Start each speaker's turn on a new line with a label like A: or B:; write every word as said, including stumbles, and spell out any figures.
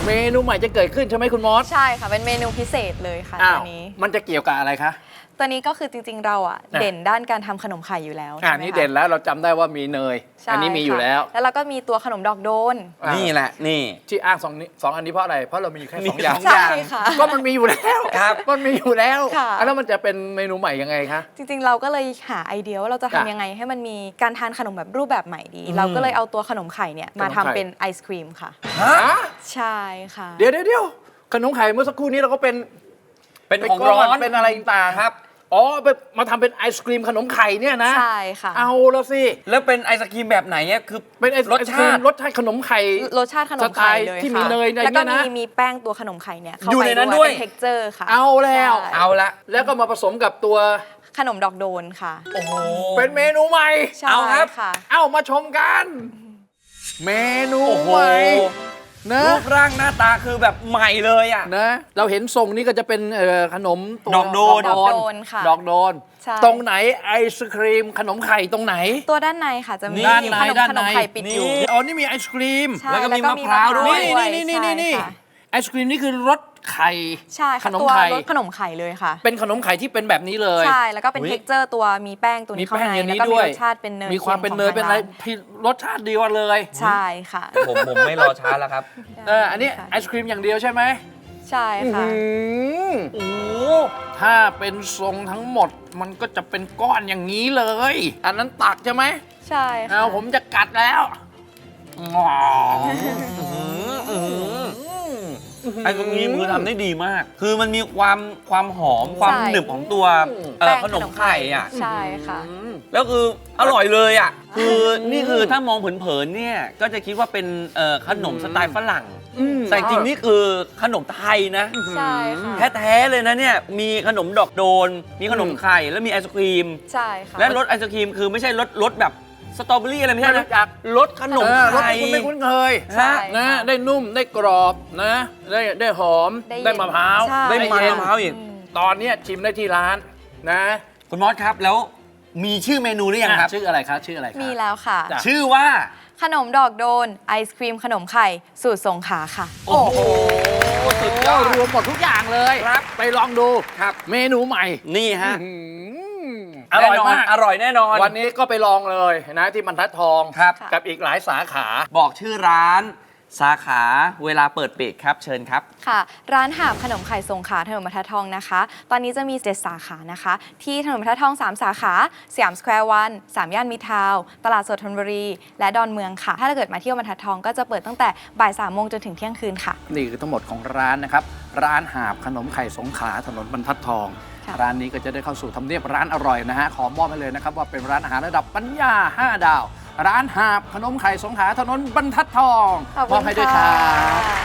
A: เมนูใหม่จะเกิดขึ้นใช่ไหมคุณมอส
B: ใช่ค่ะเป็นเมนูพิเศษเลยค่ะตัวนี้
A: มันจะเกี่ยวกับอะไรคะ
B: ตัวนี้ก็คือจริงๆเราอ่ะเด่นด้านการทำขนมไข่อยู่แล้ว
A: อ่านี่เด่นแล้วเราจำได้ว่ามีเนยอันนี้มีอยู่แล้ว
B: แล้วเราก็มีตัวขนมดอกโดน
C: นี่แหละนี่
A: ที่อ้างสองนี้สองอันนี้เพราะอะไรเพราะเรามีอยู่แค่สองอย่าง
B: ใช่ค่ะ
A: ก็มันมีอยู่แล้ว
C: ครับ
A: มันมีอยู่แล้ว
B: ค่ะ
A: แล้วมันจะเป็นเมนูใหม่ยังไงคะ
B: จริงๆเราก็เลยหาไอเดียว่าเราจะทำยังไงให้มันมีการทานขนมแบบรูปแบบใหม่ดีเราก็เลยเอาตัวขนมไข่เนี่ยมาทำเป็นไอศครีมค่ะ
A: ฮะ
B: ใช่ค่ะ
A: เดี๋ยวเดี๋ยวขนมไข่เมื่อสักครู่นี้เราก็เป็น
C: เป็นของร้อน
A: เป็นอะไรต่าง
C: ครับ
A: อ๋อมาทำเป็นไอศครีมขนมไข่เนี่ยนะ
B: ใช่ค่ะ
A: เอาแล้วสิ
C: แล้วเป็นไอศครีมแบบไหนเนี่ยคือ
A: เป็นไอศครีมรสชาติขนมไข่
B: รสชาติขนมไข่เลย
A: ที่มีเนย
B: แล้วก็มีมีแป้งตัวขนมไข่เนี่ยเข้าไปด้วยเป็นเท็กเจอร์ค่ะ
A: เอาแล้ว
C: เอาละ
A: แล้วก็มาผสมกับตัว
B: ขนมดอกโดนค่ะ
C: โอ้โห
A: เป็นเมนูใหม่
B: เอาครับ
A: ค่ะเอามาชมกันเมนูใหม่นะ
C: รูปร่างหน้าตาคือแบบใหม่เลยอ่ะ
A: นะเราเห็นทรงนี้ก็จะเป็นขนม
C: ดอกโดน
B: ดอกโดนค่ะ
A: ดอกโดนตรงไหนไอศครีมขนมไข่ตรงไหน
B: ตัวด้านในค่ะจะมีขนมขนมไข่ปิดอยู่
A: อ๋อนี่มีไอศครีม
C: แล้วก็มีมะพร้าวด้วย
A: นี่นี่นี่นี่ไอศครีมนี่คือรสไข่
B: ใช่ขนมไข่รสขนมไข่เลยค่ะ
A: เป็นขนมไข่ที่เป็นแบบนี้เลย
B: ใช่แล้วก็เป็นเท็กเจอร์ตัวมีแป้งตัวนี้ข้างในแล้วก็มีรสชาติเป็นเนย
A: มีความเป็นเนยเป็นอะไรรสชาติดีกว่าเลย
B: ใช่ค่ะ
C: ผมผมไม่รอช้าแล้วครับ
A: เอออันนี้ไอศครีมอย่างเดียวใช่ไหม
B: ใช่ค่ะ
A: โอ้ถ้าเป็นทรงทั้งหมดมันก็จะเป็นก้อนอย่างนี้เลยอันนั้นตักใช่ไหม
B: ใช่ค่ะ
A: เอาผมจะกัดแล้ว
C: ไอ้ตรงนี้มือทำได้ดีมากคือมันมีความความหอมความหนึบของตัวขนมไข่อ่ะ
B: ใช่ค่ะ
C: แล้วคืออร่อยเลยอ่ะคือนี่คือถ้ามองเผินๆเนี่ยก็จะคิดว่าเป็นขนมสไตล์ฝรั่งแต่จริงนี่คือขนมไทยนะ
B: ใช่ค่ะ
C: แท้ๆเลยนะเนี่ยมีขนมดอกโดนมีขนมไข่แล้วมีไอศครีม
B: ใช่ค่ะ
C: และรสไอศครีมคือไม่ใช่รสรสแบบสตรอเบอรี่อะไรไม่ใช่นะรสขนมไทย
A: คุณไม่คุ้นเคยนะได้นุ่มได้กรอบนะได้ได้หอมได้มะพร้าว
C: ได้มันมะพร้าวอีก
A: ตอนนี้ชิมได้ที่ร้านนะ
C: คุณมอสครับแล้วมีชื่อเมนูหรือยังครับ
A: ชื่ออะไรครับชื่ออะไร
B: มีแล้วค่ะ
C: ชื่อว่า
B: ขนมดอกโดนไอศครีมขนมไข่สูตรสงขลาค่ะ
A: โอ้โหสุดยอดรวมหมดทุกอย่างเลยครับไปลองดู
C: ครับ
A: เมนูใหม่
C: นี่ฮะ
A: อร่อยมาก
C: อร่อยแน่นอน
A: วันนี้ก็ไปลองเลยนะที่บรรทัดทอง
C: ครับ
A: กับอีกหลายสาขา
C: บอกชื่อร้านสาขาเวลาเปิดปิดครับเชิญครับ
B: ค่ะร้านหาบขนมไข่สงขลาถนนบรรทัดทองนะคะตอนนี้จะมีเจ็ดสาขานะคะที่ถนนบรรทัดทองสามสาขาสยามสแควร์วันสามย่านมิตรทาวน์ตลาดสดธนบุรีและดอนเมืองค่ะถ้าเกิดมาเที่ยวบรรทัดทองก็จะเปิดตั้งแต่บ่ายสามโมงจนถึงเที่ยงคืนค่ะ
A: นี่คือทั้งหมดของร้านนะครับร้านหาบขนมไข่สงขลาถนนบรรทัดทองร้านนี้ก็จะได้เข้าสู่ทำเนียบร้านอร่อยนะฮะขอมอบให้เลยนะครับว่าเป็นร้านอาหารระดับปัญญาห้าดาวร้านหาบขนมไข่สงขลาถนนบรรทัดทองมอบให้ด้วยครับ